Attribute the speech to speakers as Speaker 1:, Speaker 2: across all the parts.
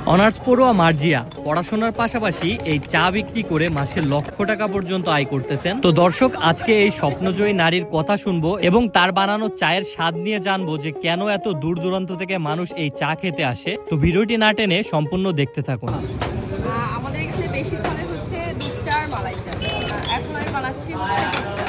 Speaker 1: Honours পড়ুয়া মার্জিয়া পড়াশোনার পাশাপাশি এই চা বিক্রি করে মাসে লক্ষ টাকা পর্যন্ত আয় করতেছেন। তো দর্শক, আজকে এই স্বপ্নজয়ী নারীর কথা শুনবো এবং তার বানানো চায়ের স্বাদ নিয়ে জানবো যে কেন এত দূর দূরান্ত থেকে মানুষ এই চা খেতে আসে। তো ভিডিওটি না টেনে সম্পূর্ণ দেখতে থাকুন।
Speaker 2: আমাদের এখানে বেশি চলে হচ্ছে দুধ চা আর মালাই চা। এখন আমি বানাচ্ছি দুধ চা।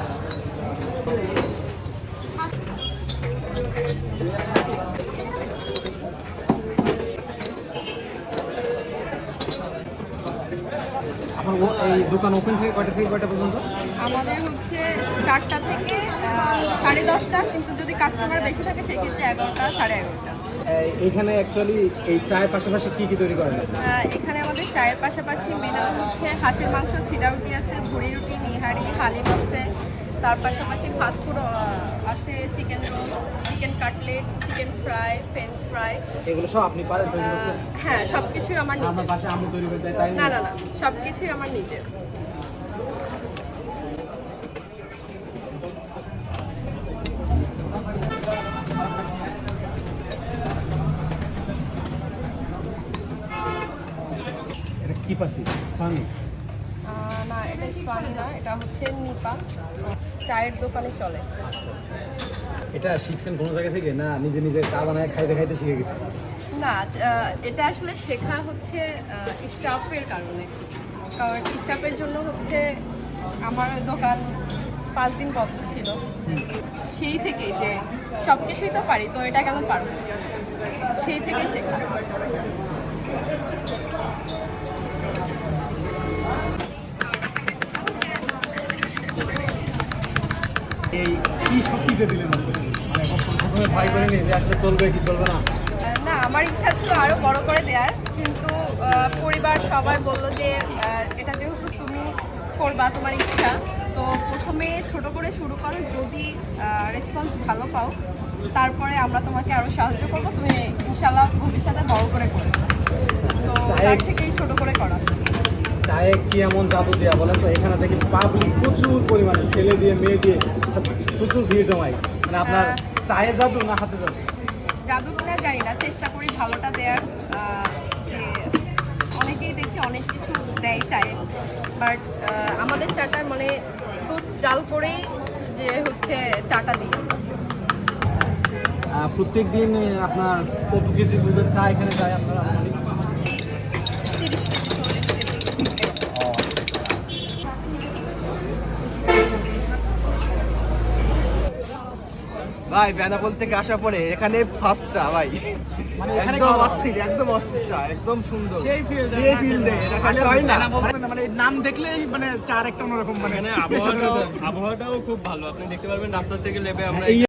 Speaker 3: এই দোকান ওপেন থেকে কয়টা পর্যন্ত?
Speaker 2: আমাদের হচ্ছে 4টা থেকে 10:30টা, কিন্তু যদি কাস্টমার বেশি থাকে সেক্ষেত্রে 11টা 11:30টা।
Speaker 3: এখানে অ্যাকচুয়ালি এই চায়ের পাশাপাশি কি তৈরি করেন?
Speaker 2: এখানে আমাদের চায়ের পাশাপাশি মেনু হচ্ছে হাঁসের মাংস, ছিটা রুটি আছে, ভুড়ি রুটি, নিহারি, হালিম আছে। তার পাশাপাশি ফাস্টফুড আছে, chicken roll, chicken cutlet, chicken fry, french fry.
Speaker 3: এগুলো সব আপনি পারেন তৈরি করতে?
Speaker 2: হ্যাঁ, সব কিছুই আমার নিজের।
Speaker 3: আমার পাশে আমি তৈরি করতে তাই
Speaker 2: না, সব কিছুই আমার নিজের।
Speaker 3: এটা কি পাতি? স্পানি?
Speaker 2: না, এটা স্পানি না, এটা হচ্ছে নিপা। চায়ের দোকানে চলে।
Speaker 3: এটা শিখছেন কোনো জায়গা থেকে না নিজে নিজে চা বানায় খাইতে খাইতে শিখে গেছেন?
Speaker 2: না, এটা আসলে শেখা হচ্ছে স্টাফের কারণে। কারণ স্টাফের জন্য হচ্ছে আমার দোকান 5 দিন বন্ধ ছিল। সেই থেকেই যে সব কিছুই তো পারি, তো এটা কেন পারবো, সেই থেকেই শেখা।
Speaker 3: এই কি শক্তিতে দিলেন? মানে প্রথমে ভয় করেনি যে আসলে চলবে কি চলবে না?
Speaker 2: না, আমার ইচ্ছা ছিল আরো বড় করে দেওয়ার, কিন্তু পরিবার সবাই বললো যে এটা যেহেতু তুমি করবা, তোমার ইচ্ছা, তো প্রথমে ছোট করে শুরু করো, যদি রেসপন্স ভালো পাও তারপরে আমরা তোমাকে আরো সাহায্য করবো, তুমি ইনশাল্লাহ ভবিষ্যতে বড় করে করবে। তো তার থেকেই ছোট করে করা।
Speaker 3: চায়ে কি এমন জাদু দেওয়া বলেন তো? এখানে দেখি পাবলিক প্রচুর পরিমাণে ছেলে দিয়ে মেয়ে দিয়ে সব প্রচুর ভিড় জমায়। মানে আপনার চায়ে জাদু না হাতে জাদু?
Speaker 2: জাদু কিনা জানি না, চেষ্টা করি ভালোটা দেওয়ার। যে অনেকেই দেখি অনেক কিছু দেয় চায়ে, বাট আমাদের চাটা মানে দুধ জাল করেই যে হচ্ছে চাটা দিই।
Speaker 3: প্রত্যেক দিন আপনার কত কেজি দুধের চা এখানে যায় আপনারা?
Speaker 2: 30 কেজি 40 কেজি।
Speaker 4: ভাই বেনাপোল থেকে আসার পরে এখানে ফার্স্ট চা ভাই,
Speaker 3: মানে
Speaker 4: একদম অস্থির চা, একদম সুন্দর,
Speaker 3: সেই feel দেয়।
Speaker 4: সেই feel দেয়, এটা খালি হয় না।
Speaker 3: মানে নাম দেখলেই মানে চার একটা অন্যরকম, মানে
Speaker 5: আবহাওয়াটাও খুব ভালো। আপনি দেখতে পারবেন রাস্তা থেকে লেবে আমরা
Speaker 3: এই